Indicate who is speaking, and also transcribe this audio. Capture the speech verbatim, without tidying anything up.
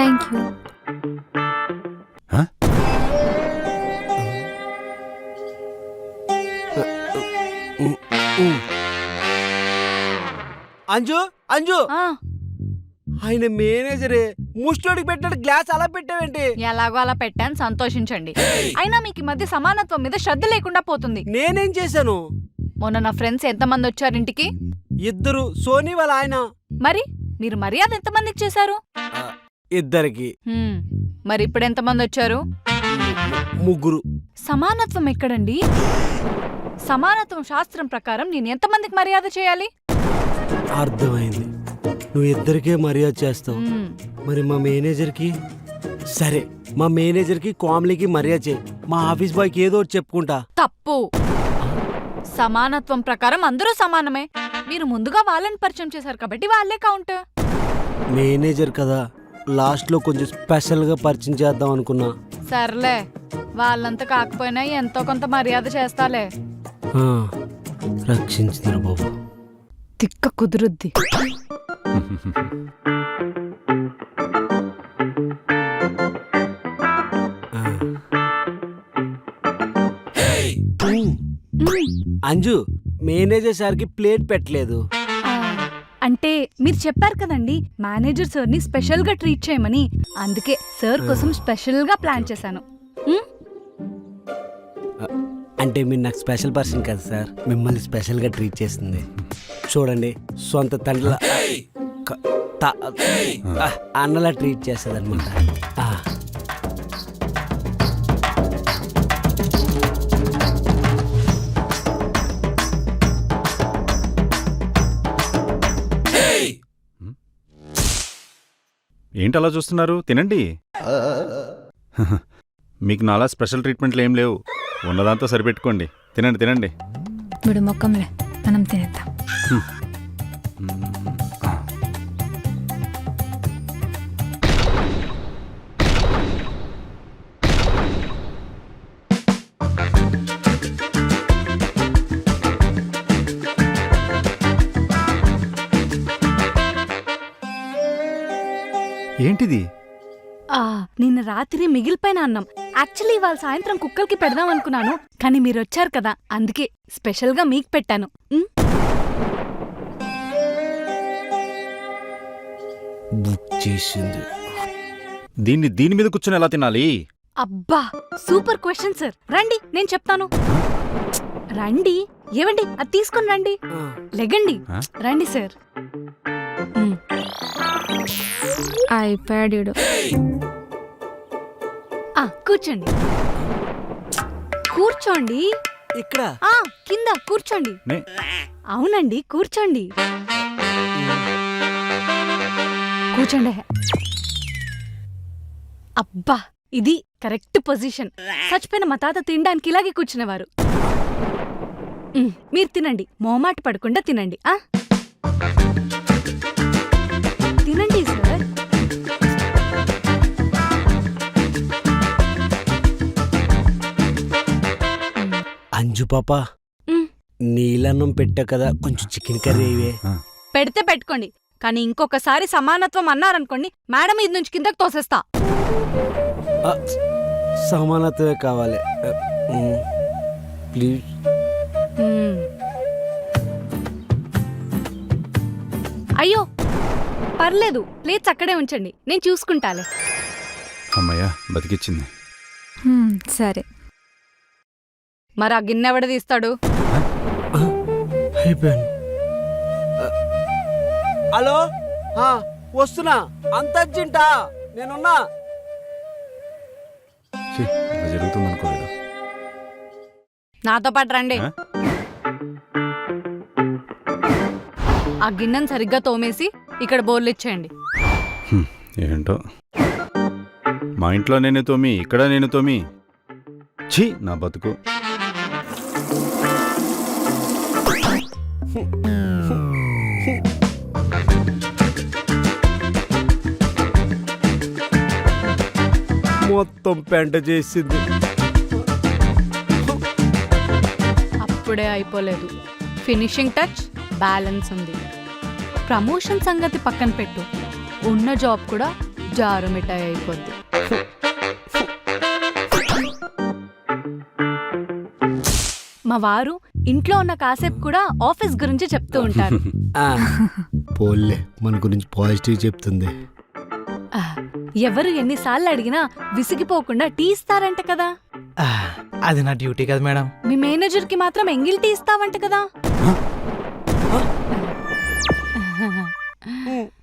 Speaker 1: Thank you.
Speaker 2: Anju Anju
Speaker 1: ఆ,
Speaker 2: ఆయన మేనేజరే ముష్టోడికి పెట్టినట్టు గ్లాస్ అలా పెట్టావేంటి?
Speaker 1: ఎలాగో అలా పెట్టాను, సంతోషించండి. అయినా మీకు ఈ మధ్య సమానత్వం మీద శ్రద్ధ లేకుండా పోతుంది.
Speaker 2: నేనేం చేశాను?
Speaker 1: మొన్న నా ఫ్రెండ్స్ ఎంతమంది వచ్చారు ఇంటికి?
Speaker 2: ఇద్దరు, సోనీ వాళ్ళ ఆయన.
Speaker 1: మరి మీరు మర్యాద ఎంతమందికి చేశారు?
Speaker 2: ఇద్దరికి.
Speaker 1: హ్మ్, మరి ఇప్పుడు ఎంతమంది వచ్చారు?
Speaker 2: ముగ్గురు.
Speaker 1: సమానత్వం ఎక్కడండి? సమానత్వం శాస్త్రం ప్రకారం నేను ఎంతమందికి మర్యాద చేయాలి?
Speaker 2: అర్థమైంది, నువ్వు ఇద్దరికే మర్యాద చేస్తావు.
Speaker 1: హ్మ్,
Speaker 2: మరి మా మేనేజర్కి? సరే, మా మేనేజర్కి కామ్లీకి మర్యాద చేయి. మా ఆఫీస్ బాయ్కి ఏదో ఒకటి చెప్పుకుంటా.
Speaker 1: తప్పు. సమానత్వం ప్రకారం అందరూ సమానమే. మీరు ముందుగా వాళ్ళని పరిచయం చేశారు కాబట్టి వాళ్ళే కౌంట్.
Speaker 2: మేనేజర్ కదా, లాస్ట్ లో కొంచెం స్పెషల్ గా పరిచయం చేద్దాం అనుకున్నా.
Speaker 1: సర్లే, వాళ్ళంతా కాకపోయినా ఎంతో కొంత మర్యాద చేస్తాలే.
Speaker 2: ఆ, రక్షించిందిరా బాబు.
Speaker 1: తిక్క కుదురుద్ది.
Speaker 2: ఆ. అంజు, మేనేజర్ సార్కి ప్లేట్ పెట్టలేదు.
Speaker 1: ఆ, అంటే మీరు చెప్పారు కదండి మేనేజర్ సార్ ని స్పెషల్ గా ట్రీట్ చేయమని, అందుకే సార్ కోసం స్పెషల్ గా ప్లాన్ చేశాను. ఉమ్,
Speaker 2: అంటే మీరు నాకు స్పెషల్ పర్సన్ కదా సార్, మిమ్మల్ని స్పెషల్ గా ట్రీట్ చేస్తుంది. చూడండి, సొంత తండ్రిల క- త- ఆ, అన్నలా ట్రీట్ చేస్తుంది అనమాట.
Speaker 3: ఏంటి అలా చూస్తున్నారు? తినండి. మీకు నాలా స్పెషల్ ట్రీట్మెంట్లు ఏం లేవు, ఉన్నదాంతో సరిపెట్టుకోండి. తినండి తినండి.
Speaker 4: విడు మొక్కంలే, మనం తినేద్దాం.
Speaker 3: ఏంటిది?
Speaker 1: ఆ, నిన్న రాత్రి మిగిలిపోయిన అన్నం. యాక్చువల్లీ ఇవాళ సాయంత్రం కుక్కలకి పెడదాం అనుకున్నాను, కానీ మీరు వచ్చారు కదా అందుకే స్పెషల్ గా మీకు పెట్టాను. ఉమ్,
Speaker 2: బుక్ చేసింది.
Speaker 3: దీన్ని దీని మీద కూర్చొని ఎలా తినాలి?
Speaker 1: అబ్బా సూపర్ క్వశ్చన్ సార్. రండి నేను చెప్తాను. రండి. ఏవండి అది తీసుకొని రండి.
Speaker 2: ఆ,
Speaker 1: లెగండి.
Speaker 3: ఆ?
Speaker 1: రండి సార్. ఉమ్,
Speaker 4: అయిపోయాడు.
Speaker 1: ఆ, కూర్చోండి కూర్చోండి.
Speaker 2: ఇక్కడ
Speaker 1: ఆ, కింద కూర్చోండి.
Speaker 3: నే
Speaker 1: అవునండి, కూర్చోండి కూర్చోండి. అబ్బా ఇది కరెక్ట్ పొజిషన్. చచ్చిపోయిన మా తాత తినడానికి ఇలాగే కూర్చునేవారు. ఉమ్, మీరు తినండి, మోమాట పడకుండా తినండి. ఆ తినండి సార్.
Speaker 2: అంజు పాప,
Speaker 1: ఉమ్,
Speaker 2: నీలన్నం పెట్టా కదా, కొంచెం చికెన్ కర్రీ ఇవే.
Speaker 1: పెడితే పెట్టుకోండి, కానీ ఇంకొకసారి సమానత్వం అన్నారనుకోండి మేడం ఇది నుంచి కిందకి తోసేస్తా.
Speaker 2: ఆ, సమానత్వమే కావాలి. ఆ, ఉమ్, ప్లీజ్.
Speaker 1: ఉమ్. అయ్యో పర్లేదు, ప్లేట్స్ అక్కడే ఉంచండి, నేను చూసుకుంటాలే.
Speaker 3: అమ్మయ్యా, బతికిచ్చింది.
Speaker 4: హ్మ్, సరే.
Speaker 1: మరి ఆ గిన్నె ఎవడ తీస్తాడు?
Speaker 2: ఆ, అయిపోయాను. ఆ, హలో, ఆ, వస్తున్నా. అంత అర్జెంటా? నేనున్నా.
Speaker 3: ఛీ, ఇలా జరుగుతుంది అనుకోలేదు.
Speaker 1: నాతో పాటు రండి.
Speaker 3: ఆ?
Speaker 1: ఆ గిన్నెను సరిగ్గా తోమేసి ఇక్కడ బోర్లు ఇచ్చేయండి.
Speaker 3: హ్మ్, ఏంటో మా ఇంట్లో నేను తోమి, ఇక్కడ నేను తోమి. ఛీ, నా బతుకు.
Speaker 2: మొత్తం పెంట చేసింది.
Speaker 1: అప్పుడే అయిపోలేదు, ఫినిషింగ్ టచ్ బ్యాలెన్స్ ఉంది. ప్రమోషన్ సంగతి పక్కన పెట్టు, ఉన్న జాబ్ కూడా జారు మిఠాయి అయిపోద్ది. మా వారు ఇంట్లో ఉన్న కాసేపు కూడా ఆఫీస్ గురించి చెప్తూ ఉంటారు.
Speaker 2: ఆ, పోల్లే మన గురించి పాజిటివ్ చెప్తుంది.
Speaker 1: ఆ, ఎవరు ఎన్నిసార్లు అడిగినా విసిగిపోకుండా టీ ఇస్తారంట కదా.
Speaker 5: ఆ, అది నా డ్యూటీ కదా మేడం.
Speaker 1: మీ మేనేజర్ కి మాత్రం ఎంగిల్ టీ ఇస్తావంట కదా.